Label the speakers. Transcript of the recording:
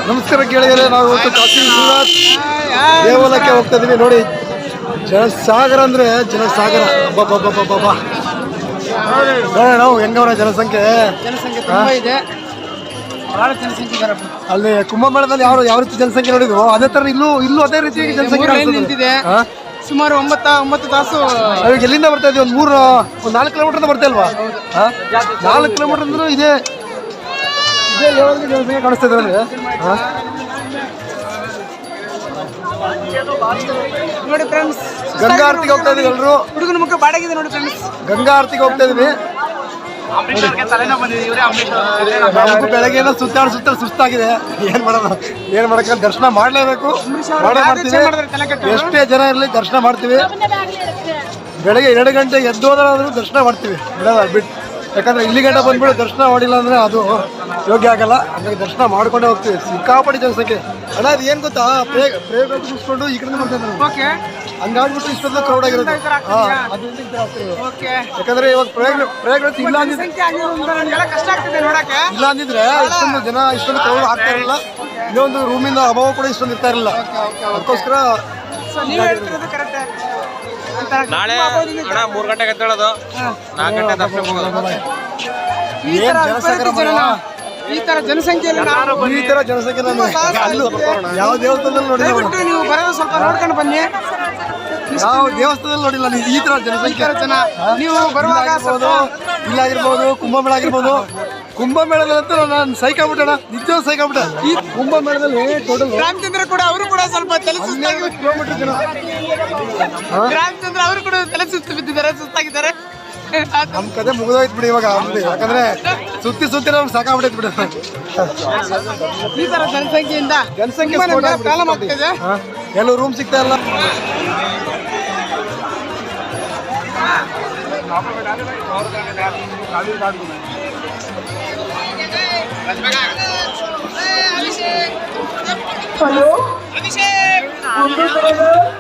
Speaker 1: ನಮಸ್ಕಾರ ಕೇಳಿದರೆ ನಾವು ಇವತ್ತು ಕಾಶಿ ವಿಶ್ವನಾಥ್ ದೇವಾಲಯಕ್ಕೆ ಹೋಗ್ತಾ ಇದೀವಿ. ನೋಡಿ ಜನಸಾಗರ ಅಂದ್ರೆ ಜನಸಾಗರ. ನಾವು ಹೆಂಗವ್ರ ಜನಸಂಖ್ಯೆ
Speaker 2: ತುಂಬಾ ಇದೆ, ಬಹಳ ಜನಸಂಖ್ಯೆ ಇದ್ದಾರೆ.
Speaker 1: ಅಲ್ಲಿ ಕುಂಭಮೇಳದಲ್ಲಿ ಯಾವ ರೀತಿ ಜನಸಂಖ್ಯೆ ನೋಡಿದ್ವು ಅದೇ ತರ ಇಲ್ಲೂ ಅದೇ ರೀತಿ ಜನಸಂಖ್ಯೆ
Speaker 2: ನಿಂತಿದೆ. ಸುಮಾರು 9 ತಾಸು.
Speaker 1: ಇವಾಗ ಎಲ್ಲಿಂದ ಬರ್ತಾ ಇದೀವಿ? ಒಂದು 4 ಕಿಲೋಮೀಟರ್ ಬರ್ತಾ ಇಲ್ವಾ? 4 ಕಿಲೋಮೀಟರ್ ಅಂದ್ರೂ ಇದೇ ಜನಸಂಖ್ಯೆ ಕಾಣಿಸ್ತಾ ಇದ್ದಾರೆ.
Speaker 2: ನೋಡಿ ಫ್ರೆಂಡ್ಸ್,
Speaker 1: ಗಂಗಾ ಆರತಿಗೆ ಹೋಗ್ತಾ ಇದೀವಿ ಎಲ್ಲರೂ.
Speaker 2: ಹುಡುಗನ ಮುಖ ಬಾಡಗಿದೆ ನೋಡಿ ಫ್ರೆಂಡ್ಸ್.
Speaker 1: ಗಂಗಾ ಆರತಿಗೆ ಹೋಗ್ತಾ ಇದೀವಿ. ನಮಗೂ ಬೆಳಗ್ಗೆನ ಸುತ್ತಾಡಿ ಸುಸ್ತಾಗಿದೆ. ಏನ್ ಮಾಡಕ್ಕೆ ದರ್ಶನ ಮಾಡ್ಲೇಬೇಕು. ಎಷ್ಟೇ ಜನ ಇರಲಿ ದರ್ಶನ ಮಾಡ್ತೀವಿ. ಬೆಳಗ್ಗೆ 2 ಗಂಟೆಗೆ ಎದ್ದು ಹೋದ್ರಾದ್ರೂ ದರ್ಶನ ಮಾಡ್ತೀವಿ, ಬಿಡೋದ ಬಿಟ್ಟು. ಯಾಕಂದ್ರೆ ಇಲ್ಲಿ ಗಂಟೆ ಬಂದ್ಬಿಟ್ಟು ದರ್ಶನ ಮಾಡಿಲ್ಲ ಅಂದ್ರೆ ಅದು ಯೋಗ್ಯ ಆಗಲ್ಲ. ಹಾಗಾಗಿ ದರ್ಶನ ಮಾಡ್ಕೊಂಡೇ ಹೋಗ್ತೀವಿ. ಸಿಕ್ಕಾಪಡಿ ಜನಸಂಖ್ಯೆ. ಅಣ್ಣ ಅದು ಏನ್ ಗೊತ್ತಾ, ಪ್ರೇಗ ಮುಗಿಸ್ಕೊಂಡು ಈ ಕಡೆ ಮಾಡ್ತಾ ಇದ್ದಾರೆ. ಹಂಗಾಗ್ಬಿಟ್ಟು ಇಷ್ಟೊಂದು ಕ್ರೌಡ್ ಆಗಿರುತ್ತೆ. ಯಾಕಂದ್ರೆ ಇವಾಗ ಪ್ರಯೋಗ ಇಲ್ಲ ಅಂದಿದ್ರೆ ಇಷ್ಟೊಂದು ಜನ ಇಷ್ಟೊಂದು ಕ್ರೌಡ್ ಆಗ್ತಾ ಇರಲಿಲ್ಲ. ಇನ್ನೊಂದು ರೂಮಿಂದ ಅಭಾವ ಕೂಡ ಇಷ್ಟೊಂದು ಇರ್ತಾ ಇರಲಿಲ್ಲ. ಅದಕ್ಕೋಸ್ಕರ
Speaker 3: ನಾಳೆ 3 ಗಂಟೆಗೆ ಎದ್ದೇಳೋದು, 4 ಗಂಟೆ ದರ್ಶನ ಹೋಗೋದು.
Speaker 2: ಈ ತರ ಜನಸಂಖ್ಯೆ
Speaker 1: ಯಾವ ದೇವಸ್ಥಾನದಲ್ಲಿ ನೋಡಿಲ್ಲ.
Speaker 2: ನೀವು ಬರೋದು ಸ್ವಲ್ಪ ನೋಡ್ಕೊಂಡು ಬನ್ನಿ.
Speaker 1: ಯಾವ ದೇವಸ್ಥಾನದಲ್ಲಿ ನೋಡಿಲ್ಲ ಈ ತರ ಜನಸಂಖ್ಯೆ.
Speaker 2: ನೀವು ಬರುವಾಗ
Speaker 1: ಇಲ್ಲಾಗಿರ್ಬೋದು, ಕುಂಭಮೇಳ ಆಗಿರ್ಬೋದು. ಕುಂಭಮೇಳದಂತೂ ನಾನು ಸೈಕಾಗ್ಬಿಟ್ಟಣ, ನಿಜ ಸೈಕಾಗ್ಬಿಟ್ಟ. ಈ ಕುಂಭಮೇಳದಲ್ಲಿ ಟೋಟಲ್
Speaker 2: ರಾಮಚಂದ್ರ ಕೂಡ ಅವರು ಕೂಡ ಸ್ವಲ್ಪ ತಲೆ
Speaker 1: ಕಿಲೋಮೀಟರ್ ಜನ.
Speaker 2: ರಾಮಚಂದ್ರ ಅವರು ಕೂಡ ತಲೆ ಸುಸ್ತು ಬಿದ್ದಿದ್ದಾರೆ, ಸುಸ್ತಾಗಿದ್ದಾರೆ.
Speaker 1: ನಮ್ ಕತೆ ಮುಗಿದೋಯ್ತು ಬಿಡಿ ಇವಾಗ. ಯಾಕಂದ್ರೆ ಸುತ್ತಿ ನಮ್ಗೆ ಸಾಕಾಗ್ಬಿಟ್ಟೈತೆ ಬಿಡಿ.
Speaker 2: ಈ ತರ ಜನಸಂಖ್ಯೆಯಿಂದ ಪ್ರಾಬ್ಲಮ್ ಆಗ್ತಿದೆ.
Speaker 1: ಎಲ್ಲೂ ರೂಮ್ ಸಿಗ್ತಾ ಇಲ್ಲ.
Speaker 4: ಹಲೋ